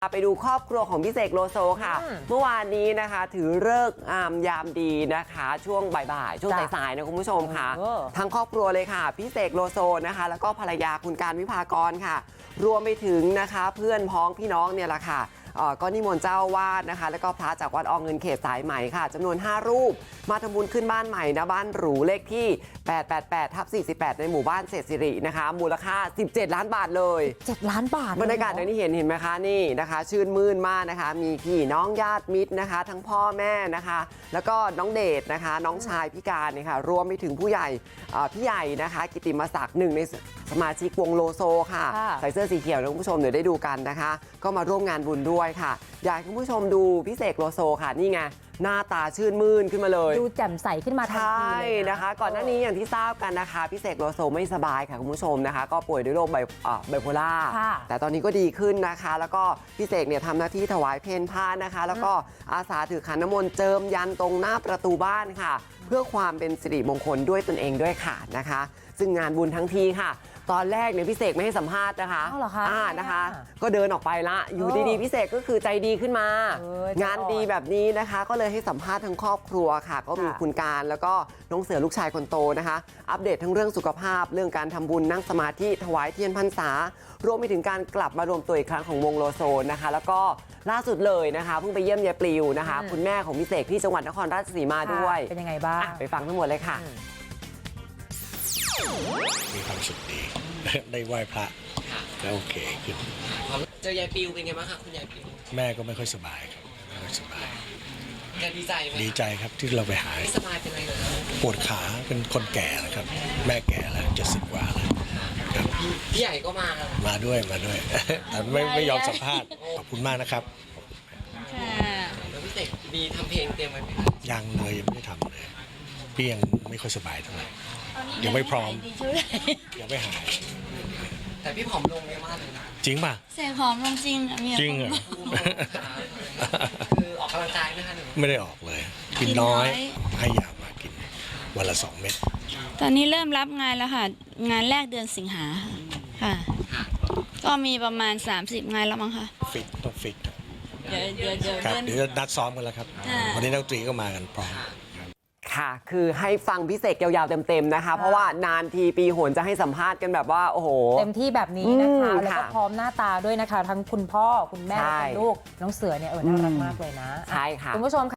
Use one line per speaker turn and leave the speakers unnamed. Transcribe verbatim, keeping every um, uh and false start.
ไปดูครอบครัวของพี่เสกโลโซค่ะเมื่อวานนี้นะคะถือฤกษ์งามยามดีนะคะช่วงบ่ายๆช่วงสายๆนะคุณผู้ชมค่ะทั้งครอบครัวเลยค่ะพี่เสกโลโซนะคะแล้วก็ภรรยาคุณการวิภากรค่ะรวมไปถึงนะคะเพื่อนพ้องพี่น้องเนี่ยแหละค่ะก็นิมนต์เจ้าวาดนะคะแล้วก็พระจากวัดอเงินเขตสายไหมค่ะจำนวนห้ารูปมาทำบุญขึ้นบ้านใหม่นะบ้านหรูเลขที่แปดแปดแปดทับสี่สิบแปดในหมู่บ้านเศรษฐศิรินะคะมูลค่าสิบเจ็ดล้านบาทเลย
เจ็ดล้านบาท
บรรยากาศในนี้เห็นเห็นไหมคะนี่นะคะชื่นมื่นมากนะคะมีพี่น้องญาติมิตรนะคะทั้งพ่อแม่นะคะแล้วก็น้องเดชนะคะน้องชายพิการเนี่ยค่ะรวมไปถึงผู้ใหญ่พี่ใหญ่นะคะกิติมศักดิ์หนึ่งในสมาชิกวงโลโซค่ะใส่เสื้อสีเขียวนะคุณผู้ชมเดี๋ยวได้ดูกันนะคะก็มาร่วมงานบุญด้วยค่ะอยากให้คุณผู้ชมดูพี่เสกโลโซค่ะนี่ไงหน้าตาชื่นมื่นขึ้นมาเลย
ดูแจ่มใสขึ้นมาทันทีเลยนะ
นะคะก่อนหน้านี้อย่างที่ทราบกันนะคะพี่เสกโลโซไม่สบายค่ะคุณผู้ชมนะคะก็ป่วยด้วยโรคไบไบโพล่าแต่ตอนนี้ก็ดีขึ้นนะคะแล้วก็พี่เสกเนี่ยทำหน้าที่ถวายเพลผ้านะคะแล้วก็อาสาถือขันน้ำมนต์เจิมยันตรงหน้าประตูบ้านค่ะเพื่อความเป็นสิริมงคลด้วยตนเองด้วยค่ะนะคะซึ่งงานบุญทั้งทีค่ะตอนแรกเนี่ยพี่เสกไม่ให้สัมภาษณ์นะคะ
อ๋อเหรอคะ
อ่านะคะก็เดินออกไปละอยู่ดีๆพี่เสกก็คือใจดีขึ้นมางานดีแบบนี้นะคะก็เลยให้สัมภาษณ์ทั้งครอบครัวค่ะก็มีคุณการแล้วก็น้องเสือลูกชายคนโตนะคะอัปเดตทั้งเรื่องสุขภาพเรื่องการทำบุญนั่งสมาธิถวายเทียนพรรษารวมไปถึงการกลับมารวมตัวอีกครั้งของวงโลโซนะคะแล้วก็ล่าสุดเลยนะคะเพิ่งไปเยี่ยมยายปลิวนะคะคุณแม่ของพี่เสกที่จังหวัดนครราชสีมาด้วย
เป็นยังไงบ้าง
ไปฟังทั้งหมดเลยค่ะ
มีความสุขดีได้ไหว้พระแล้วโอเคขึ้น
เจอยายปิวเป็นไงบ้างคะคุณยายปิว
แม่ก็ไม่ค่อยสบายครับไม่ค่อยสบาย
แกดีใจไหม
ดีใจครับที่เราไปหา
สบายเป็นอะไรเหรอ
ปวดขาเป็นคนแก่นะครับแม่แก่แล้วจะสิบกว่าแล้วครับ
พี่ใหญ่ก็มา
มาด้วยมาด้วยแต่ไม่ไม่ยอมสัมภาษณ์ขอบคุณมากนะครับ
แล้วพี่เสกมีทำเพลงเตรียมไว้ไหม
ยังเลยยังไม่ได้ทำเลยพี่ยังไม่ค่อยสบายเท่าไหร่ยังไม่พร้อมยังไม่หาย
แต่พี่ผอมลงเยอะมากเลยนะ
จริงป่ะ
เสกผอมลงจริงอ่ะ
จริงเหรอ
คือออกกำลังกายไหมคะหนู
ไม่ได้ออกเลยกินน้อยให้ยามากินวันละสองเม็ด
ตอนนี้เริ่มรับงานแล้วค่ะงานแรกเดือนสิงหาค่ะก็มีประมาณสามสิบงานแล้วมั้งค่ะ
ฟิตต้องฟิต
เดี๋ยวเดี๋ยวเดี๋ยว
ครับเดี๋ยวนัดซ้อมกันแล้วครับวันนี้นักดนตรีก็มากันพร้อม
ค่ะคือให้ฟังพี่เสกยาวๆเต็มๆนะคะเพราะว่านานทีปีหนจะให้สัมภาษณ์กันแบบว่าโอ้โห
เต็มที่แบบนี้นะคะแล้วก็พร้อมหน้าตาด้วยนะคะทั้งคุณพ่อคุณแม่คุณลูกน้องเสือเนี่ยเออน่ารักมากเลยนะ
ใช่ค่ะ
คุณผู้ชม